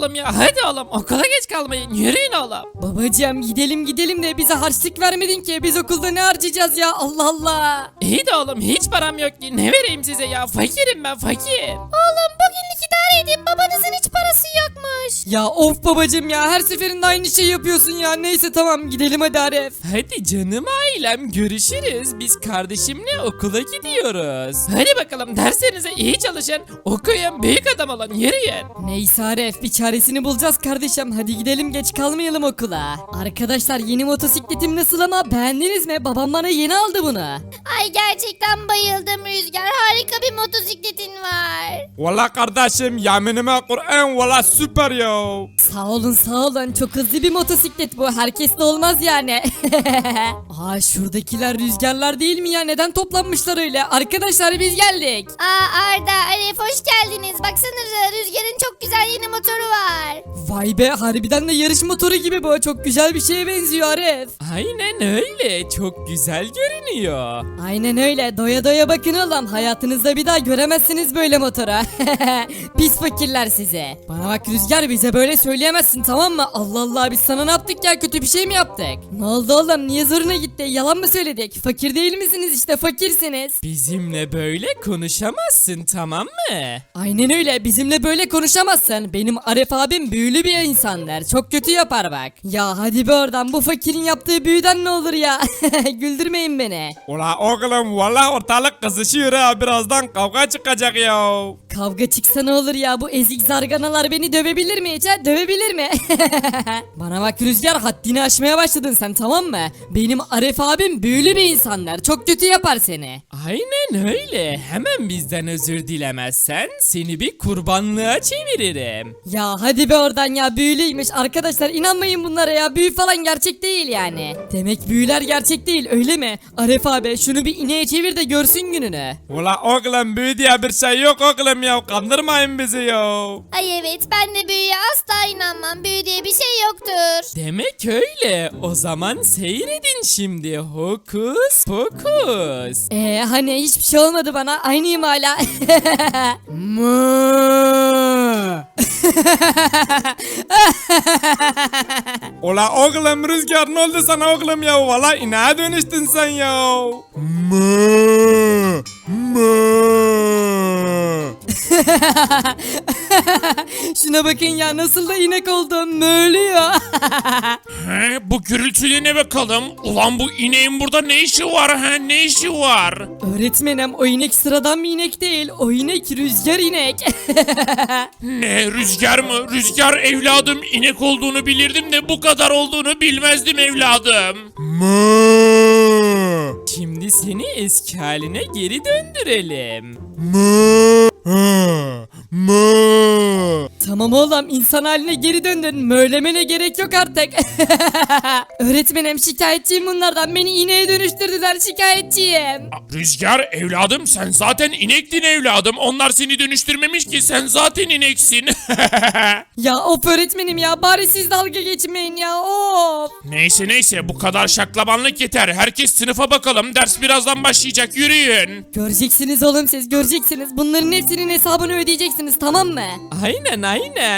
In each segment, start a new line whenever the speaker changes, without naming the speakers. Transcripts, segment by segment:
oğlum ya, hadi oğlum, okula geç kalmayın, yürüyün oğlum.
Babacığım gidelim de bize harçlık vermedin ki, biz okulda ne harcayacağız ya, Allah Allah.
İyi de oğlum, hiç param yok ki, ne vereyim size ya, fakirim ben, fakir.
Oğlum bugünlük idare edin, babanızın hiç parası yokmuş.
Ya of babacığım ya, her seferinde aynı şey yapıyorsun ya. Neyse tamam, gidelim hadi Arif.
Hadi canım ailem, görüşürüz. Biz kardeşimle okula gidiyoruz. Hadi bakalım, derslerinize iyi çalışın. Okuyun, büyük adam olun, yürüyün.
Neyse Arif, bir çaresini bulacağız kardeşim. Hadi gidelim, geç kalmayalım okula. Arkadaşlar, yeni motosikletim nasıl ama, beğendiniz mi? Babam bana yeni aldı bunu.
Ay gerçekten bayıldım Rüzgar, harika bir motosikletin var.
Valla kardeşim yeminime Kur'an valla süper ya.
Sağ olun, çok hızlı bir motosiklet bu, herkesle olmaz yani. Aa, şuradakiler rüzgarlar değil mi ya, neden toplanmışlar öyle? Arkadaşlar biz geldik.
Aa Arda, Arif hoş geldiniz. Baksanıza Rüzgar'ın çok güzel yeni motoru var.
Vay be, harbiden de yarış motoru gibi bu, çok güzel bir şeye benziyor Arif.
Aynen öyle, çok güzel görünüyor.
Aynen öyle, doya doya bakın oğlum, hayatınızda bir daha göremezsiniz böyle motora. Pis fakirler size. Bana bak Rüzgar, bize böyle söyleyemezsin tamam mı? Allah Allah, biz sana ne yaptık ya, kötü bir şey mi yaptık? Ne oldu oğlum, niye zoruna gitti, yalan mı söyledik? Fakir değil misiniz, işte fakirsiniz.
Bizimle böyle konuşamazsın, tamam mı?
Aynen öyle, bizimle böyle konuşamazsın. Benim Arif abim büyülü bir insandır, çok kötü yapar bak. Ya hadi be oradan, bu fakirin yaptığı büyüden ne olur ya. Güldürmeyin beni.
Ula oğlum valla ortalık kızışıyor ha, birazdan kavga çıkacak ya.
Kavga çıksa ne olur ya, bu ezik zarganalar beni dövebilir mi hiç ha? Dövebilir mi? Bana bak Rüzgar, haddini aşmaya başladın sen tamam mı? Benim Arif abim büyülü bir insanlar, çok kötü yapar seni.
Aynen öyle, hemen bizden özür dilemezsen seni bir kurbanlığa çeviririm.
Ya hadi be oradan ya, büyülüymüş. Arkadaşlar inanmayın bunlara ya, büyü falan gerçek değil yani. Demek büyüler gerçek değil öyle mi? Arif abi şunu bir ineğe çevir de görsün gününü.
Ula oğlum büyü diye bir şey yok oğlum ya, kandırmayın bizi ya.
Ay evet, ben de büyüye asla inanmam. Büyü diye bir şey yoktur.
Demek öyle, o zaman seyredin şimdi, hokus pokus.
Hani hiçbir şey olmadı bana, aynıyım hala.
Ula oğlum Rüzgar ne oldu sana oğlum ya, valla ineğe dönüştün sen ya.
Şuna bakın ya, nasıl da inek oldum, möğlüyor.
He, bu gürültüye ne bakalım? Ulan bu ineğin burada ne işi var he? Ne işi var?
Öğretmenim, o inek sıradan bir inek değil, o inek rüzgar inek.
Ne rüzgar mı? Rüzgar evladım, inek olduğunu bilirdim de bu kadar olduğunu bilmezdim evladım.
Şimdi seni eski haline geri döndürelim.
Tamam oğlum, insan haline geri döndün, möğlemene gerek yok artık. Öğretmenim, şikayetçiyim bunlardan, beni ineğe dönüştürdüler, şikayetçiyim.
Rüzgar evladım, sen zaten inektin evladım. Onlar seni dönüştürmemiş ki, sen zaten ineksin.
Ya of öğretmenim ya, bari siz dalga geçmeyin ya, of.
Neyse bu kadar şaklabanlık yeter. Herkes sınıfa bakalım, ders birazdan başlayacak, yürüyün.
Göreceksiniz oğlum, siz göreceksiniz, bunların hepsinin hesabını ödeyeceksiniz tamam mı?
Aynen.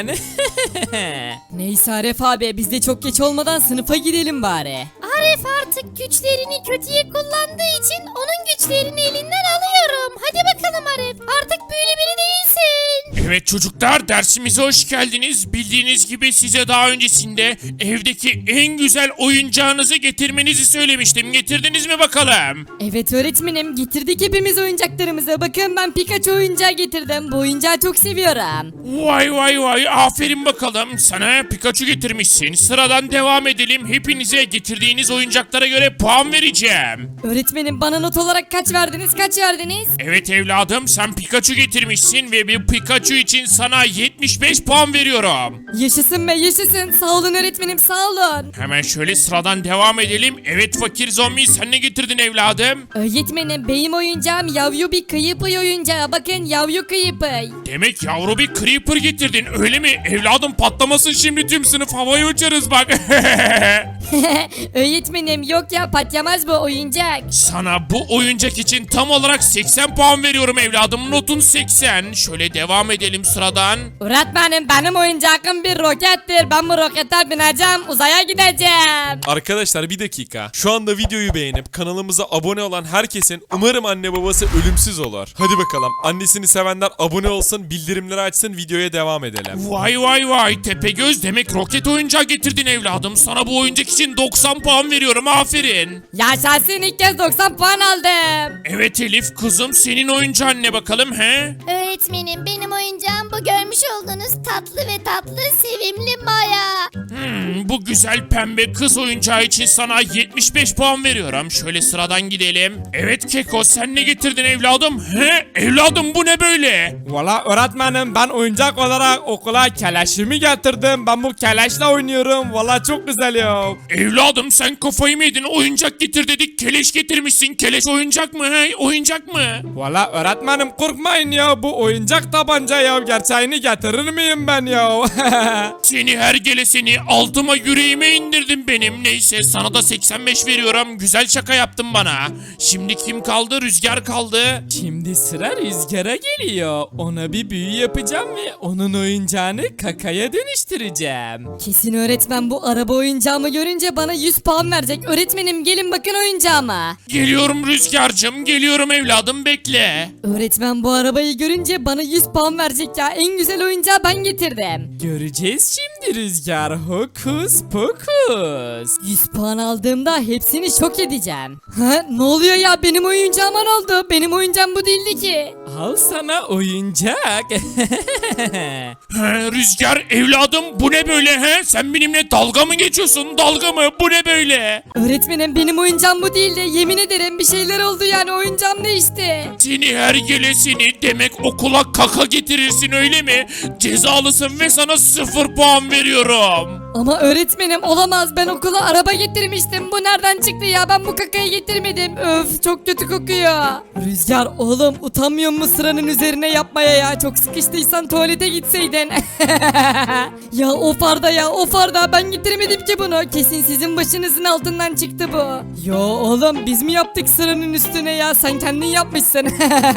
Neyse Arif abi, biz de çok geç olmadan sınıfa gidelim bari.
Arif artık güçlerini kötüye kullandığı için onun güçlerini elinden alıyorum. Hadi bakalım Arif, artık büyülü biri değilsin.
Evet çocuklar, dersimize hoş geldiniz. Bildiğiniz gibi size daha öncesinde evdeki en güzel oyuncağınızı getirmenizi söylemiştim. Getirdiniz mi bakalım?
Evet öğretmenim, getirdik hepimiz oyuncaklarımızı. Bakın ben Pikachu oyuncağı getirdim. Bu oyuncağı çok seviyorum.
Vay aferin bakalım, sana Pikachu getirmişsin. Sıradan devam edelim, hepinize getirdiğiniz oyuncaklara göre puan vereceğim.
Öğretmenim, bana not olarak kaç verdiniz?
Evet evladım, sen Pikachu getirmişsin ve bir Pikachu için sana 75 puan veriyorum.
Yaşasın be yaşasın, sağ olun öğretmenim, sağ olun.
Hemen şöyle sıradan devam edelim. Evet fakir zombi, sen ne getirdin evladım?
Öğretmenim, benim oyuncağım yavru bir kıyıpıy oyuncağı. Bakın, yavru kıyıpıy.
Demek yavru bir creeper getirdin öyle mi? Evladım patlamasın şimdi, tüm sınıf havaya uçarız bak.
Öğretmenim yok ya patlamaz bu oyuncak.
Sana bu oyuncak için tam olarak 80 puan veriyorum evladım. Notun 80. Şöyle devam edelim sıradan.
Öğretmenim benim oyuncağım bir rokettir. Ben bu rokete bineceğim uzaya gideceğim.
Arkadaşlar bir dakika. Şu anda videoyu beğenip kanalımıza abone olan herkesin umarım anne babası ölümsüz olur. Hadi bakalım. Annesini sevenler abone olsun, bildirimleri açsın, videoya devam edelim.
Vay vay vay Tepegöz, demek roket oyuncağı getirdin evladım. Sana bu oyuncak için 90 puan veriyorum, aferin.
Yaşasın ilk kez 90 puan aldım.
Evet Elif kızım, senin oyuncağın ne bakalım he?
Öğretmenim benim oyuncağım bu görmüş olduğunuz tatlı ve tatlı sevimli Maya.
Bu güzel pembe kız oyuncağı için sana 75 puan veriyorum. Şöyle sıradan gidelim. Evet Keko, sen ne getirdin evladım? He? Evladım bu ne böyle?
Valla öğretmenim ben oyuncak olarak okula keleşimi getirdim. Ben bu keleşle oynuyorum. Valla çok güzel ya.
Evladım sen kafayı mı yedin? Oyuncak getir dedik, keleş getirmişsin. Keleş oyuncak mı he? Oyuncak mı?
Valla öğretmenim korkmayın ya. Bu oyuncak tabanca ya. Gerçeğini getirir miyim ben ya?
Seni hergelesini altıma yüreğime indirdin benim. Neyse sana da 85 veriyorum. Güzel şaka yaptın bana. Şimdi kim kaldı? Rüzgar kaldı.
Şimdi sıra Rüzgar'a geliyor. Ona bir büyü yapacağım ve onun oyuncağını kakaya dönüştüreceğim.
Kesin öğretmen bu araba oyuncağımı görünce bana 100 puan verecek. Öğretmenim gelin bakın oyuncağıma.
Geliyorum Rüzgar'cığım. Geliyorum evladım, bekle.
Öğretmen bu arabayı görünce bana 100 puan verecek ya. En güzel oyuncağı ben getirdim.
Göreceğiz şimdi Rüzgar. Hokus pokus.
100 puan aldığımda hepsini şok edeceğim. Ha ne oluyor ya benim oyuncağıma ne oldu? Benim oyuncağım bu değildi ki.
Al sana oyuncak.
He, Rüzgar evladım bu ne böyle he? Sen benimle dalga mı geçiyorsun? Dalga mı? Bu ne böyle?
Öğretmenim benim oyuncağım bu değildi. Yemin ederim bir şeyler oldu yani oyuncağım değişti.
Seni hergelesini, demek okula kaka getirirsin öyle mi? Cezalısın ve sana 0 puan veriyorum.
Ama öğretmenim olamaz ben okula araba getirmiştim. Bu nereden çıktı ya ben bu kakayı getirmedim. Öf çok kötü kokuyor. Rüzgar oğlum utanmıyor musun sıranın üzerine yapmaya ya? Çok sıkıştıysan tuvalete gitseydin. Ya of Arda ya of Arda ben getirmedim ki bunu. Kesin sizin başınızın altından çıktı bu. Yo oğlum biz mi yaptık sıranın üstüne ya? Sen kendin yapmışsın.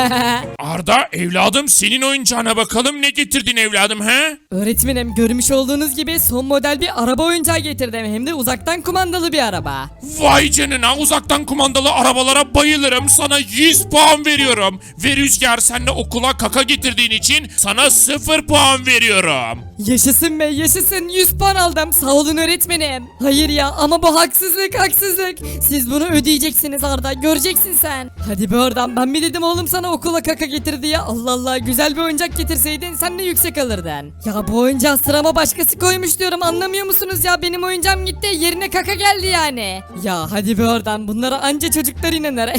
Arda evladım, senin oyuncağına bakalım, ne getirdin evladım he?
Öğretmenim görmüş olduğunuz gibi son model bir araba oyuncağı getirdim. Hem de uzaktan kumandalı bir araba.
Vay canına, uzaktan kumandalı arabalara bayılırım. Sana 100 puan veriyorum. Ve Rüzgar, sen de okula kaka getirdiğin için sana 0 puan veriyorum.
Yaşasın be yaşasın 100 puan aldım sağ olun öğretmenim. Hayır ya ama bu haksızlık haksızlık. Siz bunu ödeyeceksiniz Arda göreceksin sen. Hadi be oradan ben mi dedim oğlum sana okula kaka getir diye. Allah Allah güzel bir oyuncak getirseydin sen de yüksek alırdın. Ya bu oyuncağı sırama başkası koymuş diyorum anlamıyor musunuz ya benim oyuncağım gitti yerine kaka geldi yani. Ya hadi be oradan bunlara anca çocuklar inanır.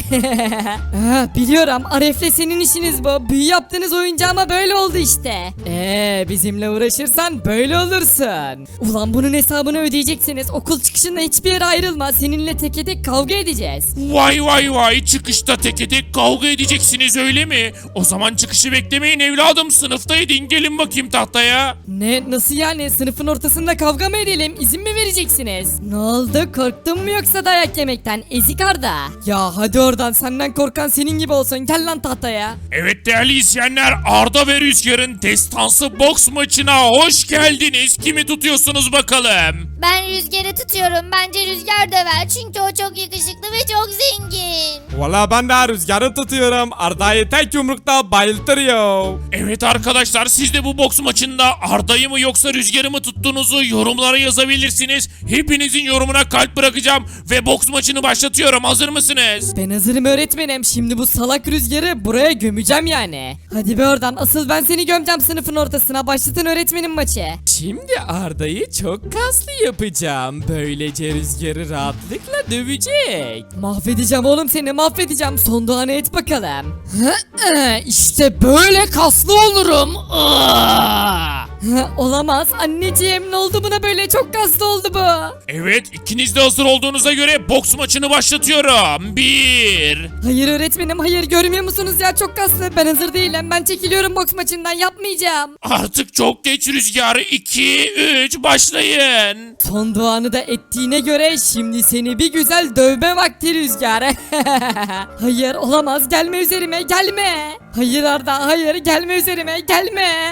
Biliyorum Aref'le senin işiniz bu. Büyü yaptığınız oyuncağıma böyle oldu işte. Bizimle uğraşırsan böyle olursun. Ulan bunun hesabını ödeyeceksiniz. Okul çıkışında hiçbir yere ayrılma. Seninle teke tek kavga edeceğiz.
Vay vay vay, çıkışta teke tek kavga edeceksiniz öyle mi? O zaman çıkışı beklemeyin evladım, sınıfta edin, gelin bakayım tahtaya.
Ne nasıl yani sınıfın ortasında kavga mı edelim? İzin mi vereceksiniz? Ne oldu korktun mu yoksa dayak yemekten ezik Arda? Ya hadi oradan senden korkan senin gibi olsun gel lan tahtaya.
Evet değerli izleyenler, Arda ve Rüzgar'ın destansı boks maçına hoş geldiniz. Kimi tutuyorsunuz bakalım?
Ben Rüzgar'ı tutuyorum. Bence Rüzgar döver çünkü o çok yakışıklı ve çok zengin.
Valla ben de Rüzgar'ı tutuyorum. Arda'yı tek yumrukta bayıltır ya.
Evet arkadaşlar, siz de bu boks maçında Arda'yı mı yoksa Rüzgar'ı mı tuttuğunuzu yorumlara yazabilirsiniz. Hepinizin yorumuna kalp bırakacağım ve boks maçını başlatıyorum. Hazır mısınız?
Ben hazırım öğretmenim. Şimdi bu salak Rüzgar'ı buraya gömeceğim yani. Hadi be oradan asıl ben seni gömeceğim sınıfın ortasına. Başlatın öğretmenim maçı.
Şimdi Arda'yı çok kaslı yapacağım. Böylece Rüzgar'ı rahatlıkla dövecek.
Mahvedeceğim oğlum seni mahvedeceğim. Son duanı et bakalım. İşte böyle kaslı olurum. Olamaz anneciğim, ne oldu buna böyle, çok kaslı oldu bu.
Evet, ikiniz de hazır olduğunuza göre boks maçını başlatıyorum. 1.
Hayır öğretmenim, hayır, görmüyor musunuz ya, çok kaslı, ben hazır değilim, ben çekiliyorum boks maçından, yapmayacağım.
Artık çok geç Rüzgar. 2, 3 başlayın.
Son duanı da ettiğine göre şimdi seni bir güzel dövme vakti Rüzgar. Hayır olamaz, gelme üzerime, gelme. Hayır Arda, hayır, gelme üzerime, gelme.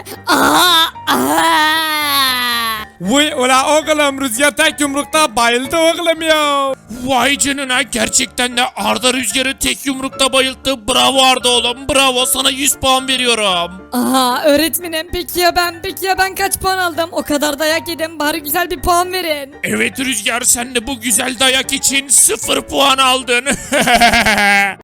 Vay ula oğlum Rüzgar tek yumrukta bayıldı oğlum ya.
Vay canına, gerçekten de Arda Rüzgar'ı tek yumrukta bayılttı. Bravo Arda oğlum, bravo, sana 100 puan veriyorum.
Aha öğretmenim, peki ya ben kaç puan aldım? O kadar dayak yedim, bari güzel bir puan verin.
Evet Rüzgar, sen de bu güzel dayak için 0 puan aldın.